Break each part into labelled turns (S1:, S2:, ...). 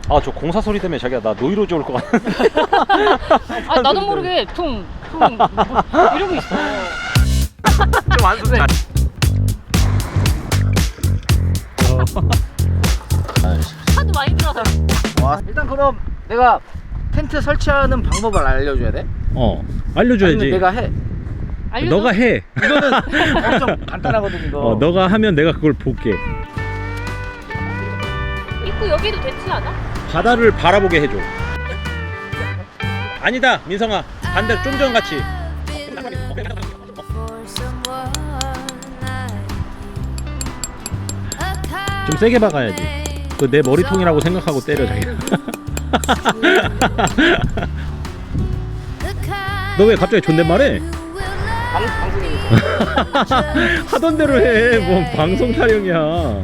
S1: 아, 저 공사 소리 때문에 자기야 나 노이로제 올 것 같아.
S2: 아 나도 모르게 퉁퉁 이러고 있어.
S1: 좀 안 좋네.
S2: 하도 많이 들어서.
S3: 와, 일단 그럼 내가 텐트 설치하는 방법을 알려줘야 돼?
S1: 알려줘야지.
S3: 아니면 내가 해?
S2: 알려줘?
S1: 너가 해.
S3: 이거는 엄청 간단하거든 이거.
S1: 너가 하면 내가 그걸 볼게.
S2: 입구 여기도 됐지 않아?
S1: 바다를 바라보게 해줘. 아니다, 민성아. 반대로 좀 전 같이. 좀 세게 박아야지. 그 내 머리통이라고 생각하고 때려 자기가. 너 왜 갑자기 존댓말해?
S3: 방송이니까.
S1: 하던 대로 해. 뭔 방송 타령이야.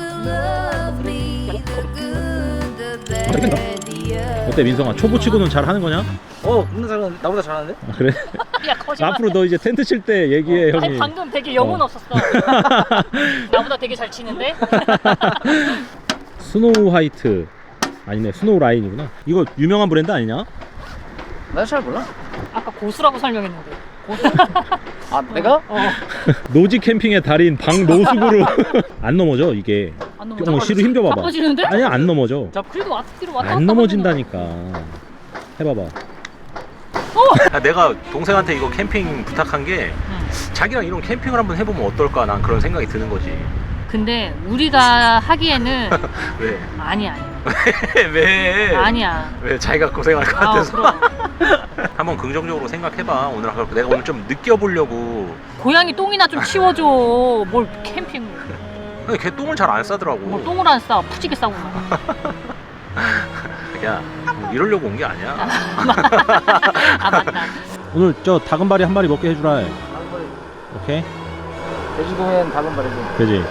S1: 어때 민성아? 초보치고는 잘 하는 거냐?
S3: 나보다 잘하는데?
S1: 아, 그래?
S2: 야 거짓말.
S1: 앞으로 너 이제 텐트 칠 때 얘기해 형이.
S2: 아니 방금 되게 영혼 없었어. 나보다 되게 잘 치는데?
S1: 스노우 화이트 아니네, 스노우 라인이구나. 이거 유명한 브랜드 아니냐?
S3: 나 잘 몰라.
S2: 아까 고수라고 설명했는데. 고수?
S3: 아 내가?
S1: 노지 캠핑의 달인 방노숙으로. 안 넘어져 이게.
S2: 안 넘어져?
S1: 시로 힘줘봐봐.
S2: 나빠지는데?
S1: 아니야, 안 넘어져.
S2: 그래도 앞뒤로 왔다 갔다
S1: 안 넘어진다니까. 해봐봐. 내가 동생한테 이거 캠핑 부탁한 게 자기랑 이런 캠핑을 한번 해보면 어떨까, 난 그런 생각이 드는 거지.
S2: 근데 우리가 하기에는
S1: 왜?
S2: 아니야.
S1: 왜?
S2: 아니야.
S1: 왜 자기가 고생할 것
S2: 아,
S1: 같아서?
S2: 그럼.
S1: 한번 긍정적으로 생각해봐. 오늘 내가 오늘 좀 느껴보려고.
S2: 고양이 똥이나 좀 치워줘. 뭘 캠핑.
S1: 근데 걔 똥을 잘 안 싸더라고.
S2: 뭘 똥을 안 싸. 푸지게 싸고 나가.
S1: 야, 이러려고 온 게 아니야.
S2: 아 맞다.
S1: 오늘 저 다금바리 한 마리 먹게 해주라. 오케이?
S3: 제주도엔 다금바리지.
S1: 그지?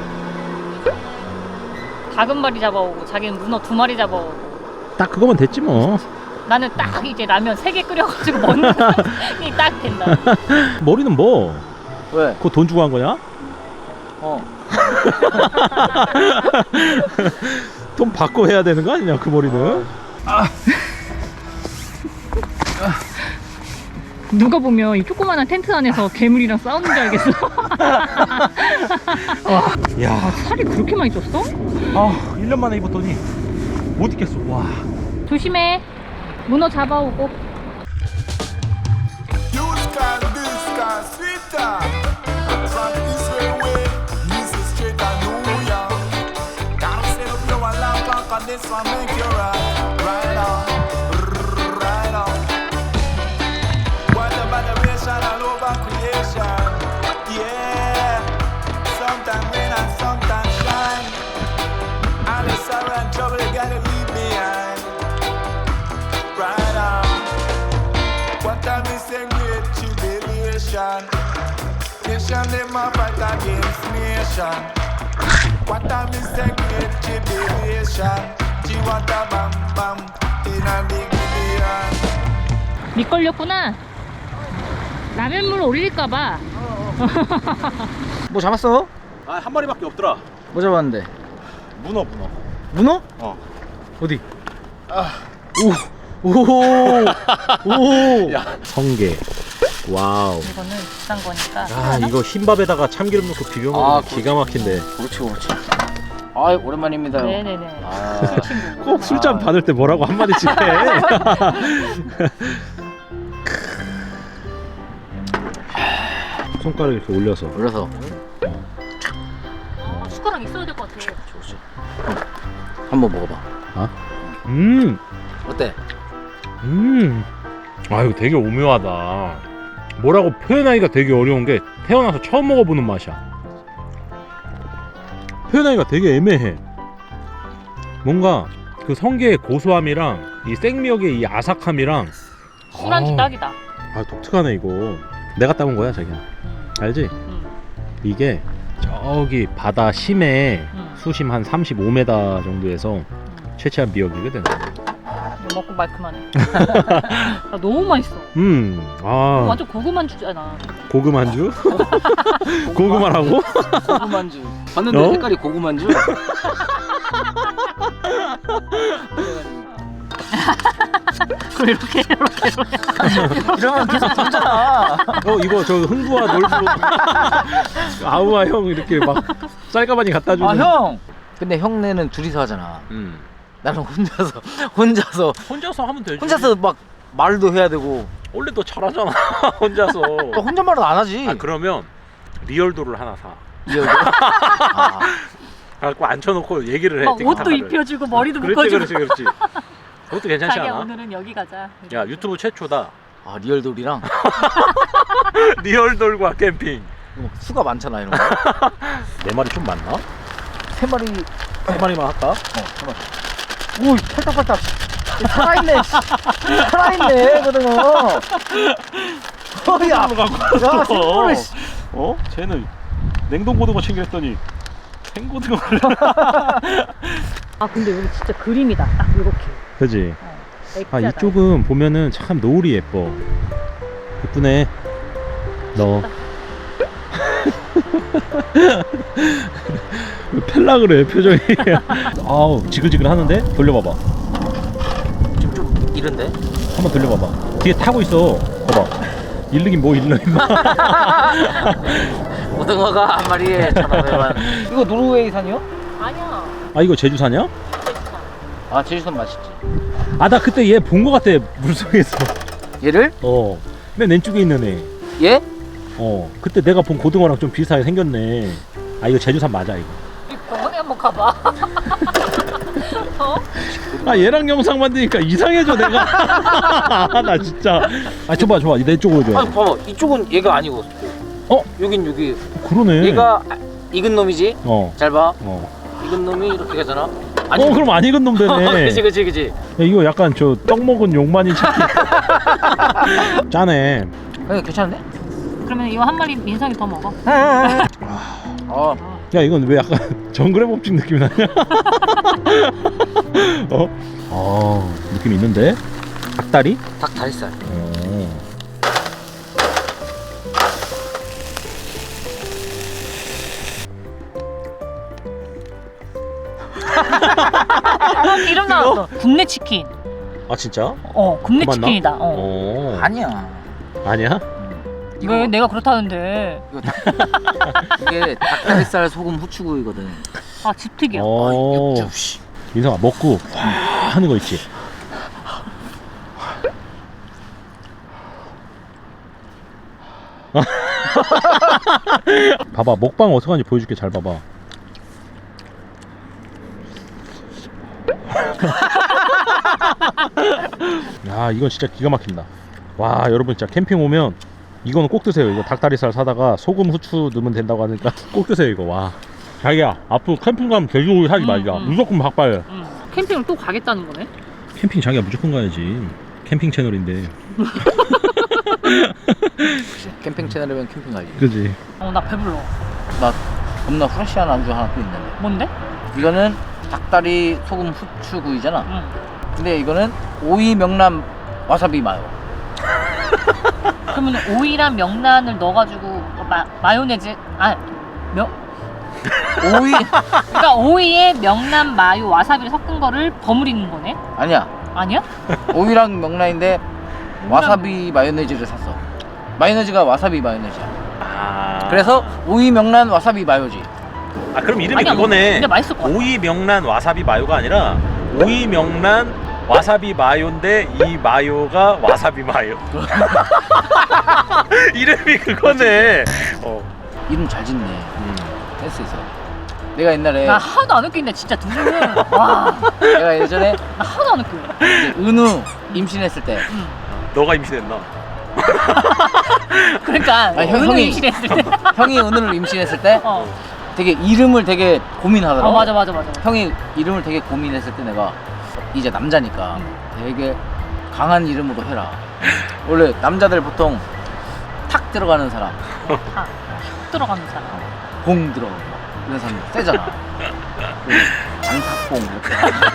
S2: 다금바리 잡아오고 자기는 문어 2마리 잡아오고
S1: 딱 그거면 됐지 뭐.
S2: 나는 딱 이제 라면 3개 끓여가지고 먹는 게 딱 된다.
S1: 머리는 뭐?
S3: 왜?
S1: 그거 돈 주고 한 거냐? 돈 받고 해야 되는 거 아니냐 그 머리는?
S2: 누가 보면 이 조그만한 텐트 안에서 괴물이랑 싸우는 줄 알겠어.
S1: 야,
S2: 살이 그렇게 많이 쪘어?
S1: 1년 만에 입었더니 못 입겠어. 와.
S2: 조심해. 문어 잡아오고.
S4: Nation them a fight against nation. What a mistake great tribulation. Chiwata bam bam in a big billion.
S2: 미끌렸구나. 라면물 올릴까봐.
S3: 뭐 잡았어?
S1: 한 마리밖에 없더라.
S3: 뭐 잡았는데?
S1: 문어.
S3: 문어? 어디? 오.
S1: 야, 성게. 와우.
S2: 이거는 비싼 거니까.
S1: 이거 흰밥에다가 참기름 넣고 비벼 먹으면 기가 막힌데.
S3: 그렇지. 아, 오랜만입니다.
S2: 네네네.
S3: 아.
S2: 친구.
S1: 꼭 술잔 받을 때 뭐라고 한마디씩 해. 손가락 이렇게 올려서.
S2: 숟가락 있어야 될 것 같아.
S3: 한번 먹어봐. 어때?
S1: 아, 이거 되게 오묘하다. 뭐라고 표현하기가 되게 어려운 게 태어나서 처음 먹어보는 맛이야. 표현하기가 되게 애매해. 뭔가 그 성게의 고소함이랑 이 생미역의 이 아삭함이랑
S2: 술안주 딱이다.
S1: 독특하네 이거. 내가 따온 거야 자기야. 알지? 이게 저기 바다 심해 수심 한 35m 정도에서 채취한 미역이거든.
S2: 먹고 말그만해. 나 너무 맛있어. 완전 고구마 안주잖아.
S1: 고구마인주? 고구마라고?
S3: 고구만주. 봤는데 색깔이 고구만주?
S2: 그럼 이렇게
S3: 이러면 계속 던져라.
S1: 이거 저 흥부와 놀부 아우와 형 이렇게 막 쌀가마니 갖다 주는.
S3: 아 형. 근데 형네는 둘이서 하잖아. 나는 혼자서
S1: 하면 되지.
S3: 혼자서 막 말도 해야 되고.
S1: 원래 너 잘하잖아. 혼자서.
S3: 또 혼잣말은 안 하지.
S1: 아 그러면 리얼도를 하나 사.
S3: 이해가 돼? 아,
S1: 갖고 앉혀놓고 얘기를 해.
S2: 막 옷도
S1: 틱탁하게.
S2: 입혀주고 머리도
S1: 그렇지
S2: 묶어주고.
S1: 그렇지. 그것도 괜찮지
S2: 자기야
S1: 않아?
S2: 오늘은 여기 가자.
S1: 야 유튜브 최초다.
S3: 아 리얼돌이랑
S1: 리얼돌과 캠핑.
S3: 수가 많잖아 이런 거.
S1: 네 마리 좀 많나?
S3: 세 마리.
S1: 세 마리만 할까?
S3: 세 마리. 오 팔딱팔딱. 살아있네. 살아있네 고등어. 어야. 야 생고를.
S1: 쟤는 냉동고등어 챙겼더니 생고등어를.
S2: 아 근데 여기 진짜 그림이다. 딱 이렇게.
S1: 그지? 아
S2: 액자다.
S1: 이쪽은 보면은 참 노을이 예뻐. 예쁘네. 너 왜 펠라 그래 표정이. 아우 지글지글 하는데? 돌려봐봐.
S3: 지금 좀 이른데.
S1: 한번 돌려봐봐. 뒤에 타고 있어. 봐봐. 일르긴 뭐 일러 임마.
S3: 고등어가 한 마리에 1,500원. 이거 노르웨이산이요?
S2: 아니야.
S1: 아 이거 제주산이야?
S3: 아 제주산 맛있지.
S1: 아 나 그때 얘 본 거 같아 물속에서.
S3: 얘를?
S1: 맨 왼쪽에 있는 애.
S3: 얘?
S1: 그때 내가 본 고등어랑 좀 비슷하게 생겼네. 아 이거 제주산 맞아 이거.
S2: 이 병원에 한번 가봐. 어?
S1: 아 얘랑 영상 만드니까 이상해져 내가. 나 진짜. 아 줘봐 내 쪽으로 줘.
S3: 아 봐봐 이쪽은 얘가 아니고. 여긴 여기.
S1: 그러네.
S3: 얘가 익은 놈이지.
S1: 어.
S3: 잘 봐.
S1: 어.
S3: 익은 놈이 이렇게 가잖아.
S1: 그럼 안 익은 놈 되네.
S3: 그치.
S1: 야, 이거 약간 저 떡 먹은 용만이 찾기. 짜네.
S3: 괜찮은데?
S2: 그러면 이거 한 마리 민성이 더 먹어.
S1: 야 이건 왜 약간 정글의 법칙 느낌이 나냐? 느낌 있는데? 닭다리?
S3: 닭 다리살.
S2: 이름 나왔어. 국내 치킨.
S1: 아 진짜?
S2: 국내
S1: 맞나?
S2: 치킨이다.
S3: 아니야.
S1: 아니야?
S2: 왜 내가 그렇다는데?
S3: 이게 닭다리살 소금 후추구이거든.
S2: 아 집특이야.
S3: 육즙 씨.
S1: 민성아 먹고 와 하는 거 있지? 봐봐 먹방 어떻게 하는지 보여줄게. 잘 봐봐. 야 이건 진짜 기가 막힌다. 와 여러분 진짜 캠핑 오면 이거는 꼭 드세요. 이거 닭다리살 사다가 소금 후추 넣으면 된다고 하니까 꼭 드세요 이거. 와 자기야 앞으로 캠핑 가면 돼지고기 사지 말자. 무조건 박바야.
S2: 캠핑을 또 가겠다는 거네?
S1: 캠핑 자기가 무조건 가야지. 캠핑 채널인데.
S3: 캠핑 채널이면 캠핑 가지.
S1: 그지?
S2: 나 배불러.
S3: 나 겁나 후레쉬한 안주 하나 또 있는데.
S2: 뭔데?
S3: 이거는 닭다리 소금 후추구이잖아.
S2: 응.
S3: 근데 이거는 오이 명란 와사비 마요.
S2: 그러면 오이랑 명란을 넣어가지고 마요네즈
S3: 오이
S2: 그러니까 오이에 명란, 마요, 와사비를 섞은 거를 버무리는 거네?
S3: 아니야.
S2: 아니야?
S3: 오이랑 명란인데 와사비 마요네즈를 샀어. 마요네즈가 와사비 마요네즈야. 그래서 오이 명란 와사비 마요지.
S1: 아 그럼 이름이
S2: 아니야,
S1: 그거네.
S2: 근데 맛있을 것 같아.
S1: 오이 명란 와사비 마요가 아니라 오이 명란 와사비 마요인데 이 마요가 와사비 마요. 이름이 그거네.
S3: 이름 잘 짓네. 센스 있어. 내가 옛날에
S2: 나 하나도 안 웃긴데 진짜 두 분은 와.
S3: 내가 예전에
S2: 나 하나도 안 웃겨.
S3: 이제 은우 임신했을 때
S1: 너가 임신했나?
S2: 그러니까
S3: 형이
S2: 임신했을 때.
S3: 형이 은우를 임신했을 때 되게 이름을 되게 고민하더라고.
S2: 맞아.
S3: 형이 이름을 되게 고민했을 때 내가 이제 남자니까 되게 강한 이름으로 해라. 원래 남자들 보통 탁 들어가는 사람,
S2: 탁 들어가는 사람.
S3: 봉 들어가고 이런 사람 세잖아. 장탁봉 이렇게.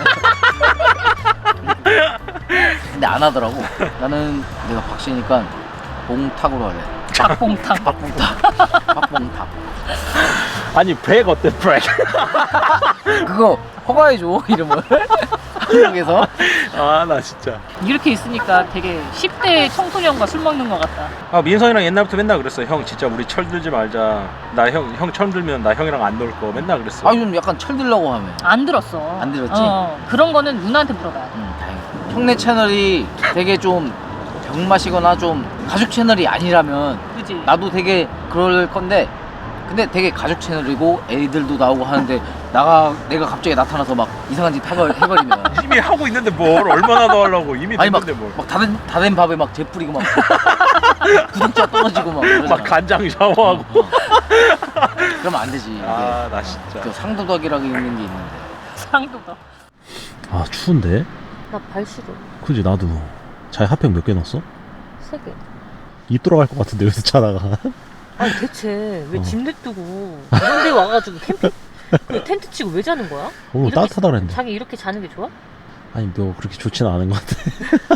S3: 근데 안 하더라고. 나는 내가 박씨니까 봉탁으로 할래.
S2: 박봉탕.
S3: 박봉탁.
S1: 아니 브렉 어때 브렉?
S3: 그거 허가해줘 이름을. 한국에서.
S1: 아 나 진짜.
S2: 이렇게 있으니까 되게 10대 청소년과 술 먹는 것 같다.
S1: 아 민성이랑 옛날부터 맨날 그랬어. 형 진짜 우리 철 들지 말자. 나 형 철 들면 나 형이랑 안 놀 거 맨날 그랬어.
S3: 아 좀 약간 철들려고 하면.
S2: 안 들었어.
S3: 안 들었지?
S2: 그런 거는 누나한테 물어봐야 돼.
S3: 다행이다. 형네 채널이 되게 좀 병맛이거나 좀 가족 채널이 아니라면
S2: 그지?
S3: 나도 되게 그럴 건데, 근데 되게 가족 채널이고 애들도 나오고 하는데 내가 갑자기 나타나서 막 이상한 짓 해버리면
S1: 이미 하고 있는데 뭘 얼마나 더 하려고 이미
S3: 아니
S1: 됐는데 뭘.
S3: 막 다 된 밥에 막 재 뿌리고 막 구독자 떨어지고 막 그러잖아.
S1: 막 간장 샤워하고.
S3: 그러면 안 되지.
S1: 아 나 진짜.
S3: 그 상도덕이라고 있는 게 있는데.
S2: 상도가.
S1: 아 추운데?
S2: 나 발 시려.
S1: 그지 나도. 차에 핫팩 몇 개 넣었어?
S2: 3개.
S1: 입 돌아갈 것 같은데 여기서 자다가.
S2: 아니 대체 왜 집 냅두고 이런 데 와가지고 캠핑 그 텐트 치고 왜 자는 거야?
S1: 오늘
S2: 이렇게
S1: 따뜻하다 그랬는데.
S2: 자기 이렇게 자는 게 좋아?
S1: 아니 너 그렇게 좋지는 않은 것 같아.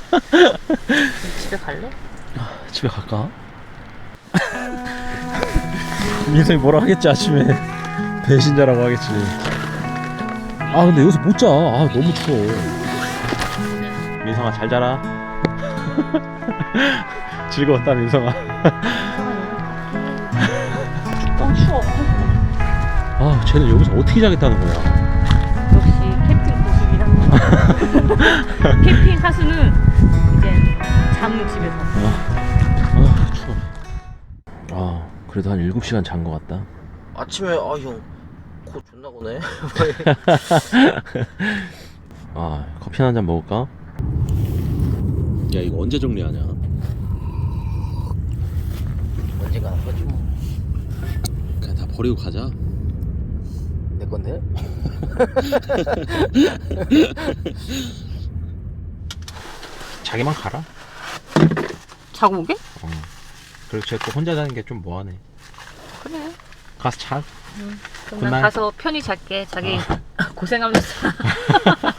S2: 집에 갈래?
S1: 집에 갈까? 민성이 뭐라 하겠지 아침에. 배신자라고 하겠지. 아 근데 여기서 못 자. 아 너무 추워. 민성아 잘 자라. 즐거웠다 민성아.
S2: 추워.
S1: 아 쟤는 여기서 어떻게 자겠다는 거야.
S2: 역시 캠핑 고수이라. 캠핑 하수는 이제 잠은 집에서.
S1: 아 추워. 아 그래도 한 7시간 잔 것 같다.
S3: 아침에 형 코 존나 고네.
S1: 아 커피 한 잔 먹을까? 야 이거 언제 정리하냐?
S3: 언젠가 할 거지 뭐.
S1: 그냥 다 버리고 가자.
S3: 내 건데?
S1: 자기만 가라.
S2: 자고 오게?
S1: 그리고 쟤또 혼자 자는 게 좀 뭐하네.
S2: 그래.
S1: 가서 자.
S2: 그럼
S1: 굿나잇.
S2: 난 가서 편히 잘게. 자기 고생하면서.